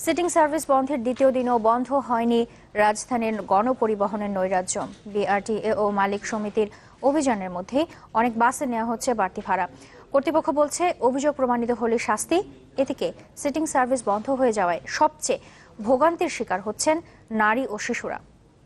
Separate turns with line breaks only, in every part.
Sitting service বন্ধের দ্বিতীয় দিনও বন্ধ হয়নি রাজধানীর গণপরিবহনের নৈরাজ্য। বিআরটিএ ও মালিক সমিতির অভিযানের মধ্যে অনেক বাসে নেওয়া হচ্ছে বাড়তি ভাড়া। কর্তৃপক্ষ বলছে, অভিযোগ প্রমাণিত হলে শাস্তি। এদিকে সিটিং সার্ভিস বন্ধ হয়ে যাওয়ায় সবচেয়ে ভোগান্তির শিকার হচ্ছেন নারী ও শিশুরা।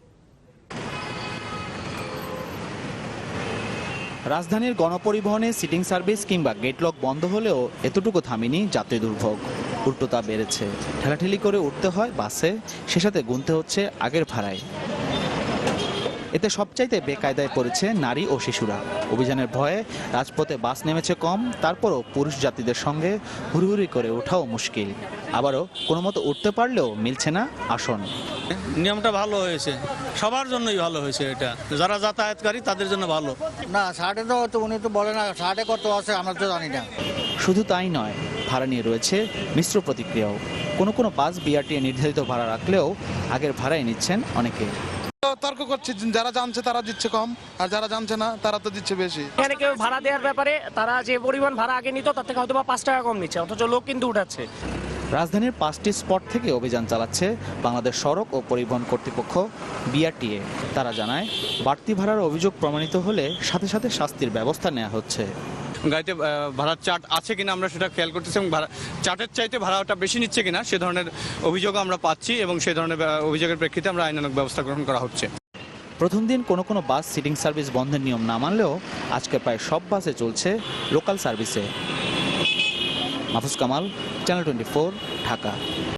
রাজধানীর গণপরিবহনে সিটিং সার্ভিস কিংবা গেটলক বন্ধ হলেও এতটুকু থামেনি যাত্রী দুর্ভোগ। উল্টো তা বেড়েছে। ঠেলাঠেলি করে উঠতে হয় বাসে, সে সাথে গুনতে হচ্ছে আগের ভাড়ায়। এতে সবচাইতে বেকায়দায় পড়েছে নারী ও শিশুরা। অভিযানের ভয়ে রাজপথে বাস নেমেছে কম, তারপরও পুরুষ যাত্রীদের সঙ্গে হুড়হুড়ি করে ওঠাও মুশকিল। আবারও কোনো মতো উঠতে পারলেও মিলছে না আসন।
নিয়মটা ভালো হয়েছে, সবার জন্যই ভালো হয়েছে। এটা যারা যাতায়াতকারী তাদের জন্য ভালো।
না, ষাটে তো উনি তো বলে না, ষাটে কত আছে আমরা তো জানি না।
শুধু তাই নয়, ভাড়া নিয়ে রয়েছে মিশ্র প্রতিক্রিয়াও। কোনো কোনো বাস বিআরটিএ নির্ধারিত ভাড়া রাখলেও আগের ভাড়াই নিচ্ছেন অনেকে।
তর্ক করছে, যারা জানছে তারা দিচ্ছে কম, আর যারা জানছে না তারা তো দিচ্ছে বেশি।
এখানে কেউ ভাড়া দেওয়ার ব্যাপারে তারা যে পরিমাণ ভাড়া আগে নিত তার থেকে হয়তো বা 5 টাকা কম নিচ্ছে, অথচ লোক কিন্তু উঠাচ্ছে।
রাজধানীর 5টি স্পট থেকে অভিযান চালাচ্ছে বাংলাদেশ সড়ক ও পরিবহন কর্তৃপক্ষ বিআরটিএ। তারা জানায়, বাড়তি ভাড়ার অভিযোগ প্রমাণিত হলে সাথে সাথে শাস্তির ব্যবস্থা নেওয়া হচ্ছে।
গাড়িতে ভাড়ার চার্ট আছে কিনা আমরা সেটা খেয়াল করতেছি, এবং চার্টের চাইতে ভাড়াটা বেশি নিচ্ছে কিনা সে ধরনের অভিযোগ আমরা পাচ্ছি, এবং সেই ধরনের অভিযোগের প্রেক্ষিতে আমরা আইনানুগ ব্যবস্থা গ্রহণ করা হচ্ছে।
প্রথম দিন কোনো কোনো বাস সিটিং সার্ভিস বন্ধের নিয়ম না মানলেও আজকে প্রায় সব বাসে চলছে লোকাল সার্ভিসে। মাহফুজ কামাল, চ্যানেল 24, ঢাকা।